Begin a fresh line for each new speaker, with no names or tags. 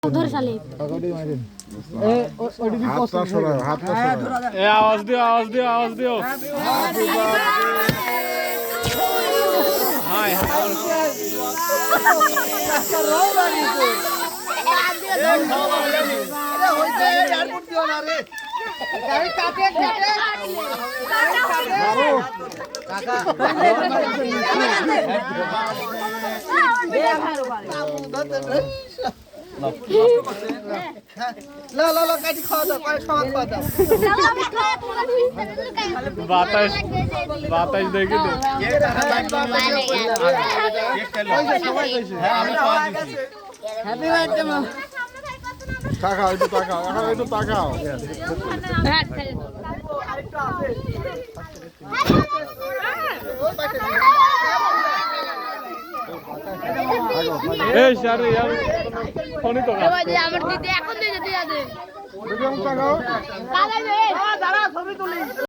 ধরে শালি
আওয়াজ দিও আওয়াজ দিও আওয়াজ দিও হাই বাতাস বাতাস দেখি তো তাকাও একটু তাকাও এখন একটু তাকাও এই শারে यार ফোনই তো
আমার দিদি এখন দিদি দে
তাকাও
কালাই রে দাঁড়া ছবি তুলি